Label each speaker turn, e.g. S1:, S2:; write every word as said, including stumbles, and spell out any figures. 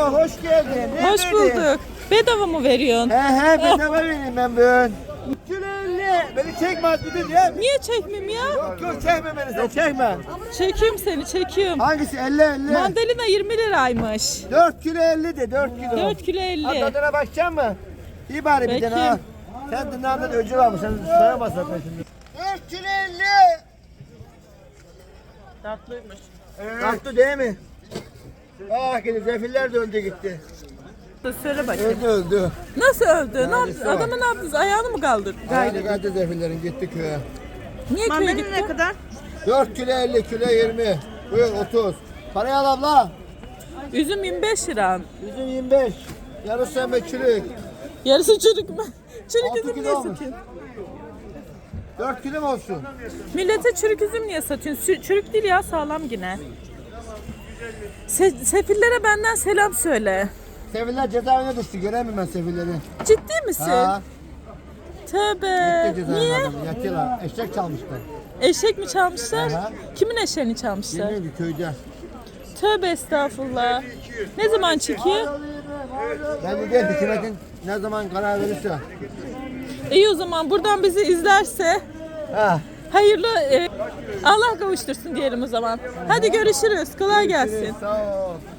S1: Merhaba, hoş geldin. Ne
S2: Hoş
S1: verdin?
S2: bulduk. Bedava mı veriyorsun?
S1: He he, bedava vereyim ben bugün. Kilo elli. Beni çekme Azmidin ya.
S2: Niye çekmeyeyim ya?
S1: Yok yok, çekme beni sen, çekme.
S2: Çekiyorum seni, çekiyorum.
S1: Hangisi? elli elli.
S2: Mandalina yirmi liraymış.
S1: dört kilo elli de, dört kilo.
S2: dört kilo elli.
S1: Ha, tadına bakacak mı? İyi bari bir
S2: Peki.
S1: tane ha. Sen dünyadan öcü var mı? Sen sayamaz zaten şimdi. dört kilo elli.
S2: Tatlıymış.
S1: Evet. Tatlı değil mi? Ah gidi, zefiller de öldü gitti.
S2: Söyle bakayım.
S1: Öldü öldü.
S2: Nasıl öldü? Ne
S1: Yani
S2: yaptı?
S1: şu an.
S2: Adamı ne yaptınız? Ayağını mı kaldırdı?
S1: Gayrı gayrı zefillerin gitti köye.
S2: Niye köye gitti?
S3: ne kadar?
S1: dört kilo elli, kilo yirmi. Buyur otuz. Parayı al abla.
S2: Üzüm yirmi beş lira.
S1: Bizim yirmi beş. Yarısı sen be çürük.
S2: Yarısı çürük mü? Çürük
S1: Altı
S2: üzüm
S1: kilo
S2: niye
S1: olmuş.
S2: satıyorsun?
S1: dört kilo mu olsun?
S2: Millete çürük üzüm niye satıyorsun? Sü- Çürük değil ya, sağlam yine. Se- sefillere benden selam söyle.
S1: Sefiller cezaevine düştü. Göremiyorum ben sefilleri.
S2: Ciddi misin?
S1: Ha.
S2: Tövbe.
S1: Gitti cezaevine
S2: Niye?
S1: adamı. Yatıyorlar. Eşek çalmışlar.
S2: Eşek mi çalmışlar?
S1: Aha.
S2: Kimin eşeğini çalmışlar?
S1: Bilmiyorum ki köyde.
S2: Tövbe estağfurullah. Ne zaman çıkıyor?
S1: Ben de değil, hükümetin ne zaman karar verirse.
S2: İyi o zaman buradan bizi izlerse
S1: Ha.
S2: hayırlı e, Allah kavuştursun diyelim o zaman. Hadi görüşürüz. Kolay gelsin.
S1: Sağ ol.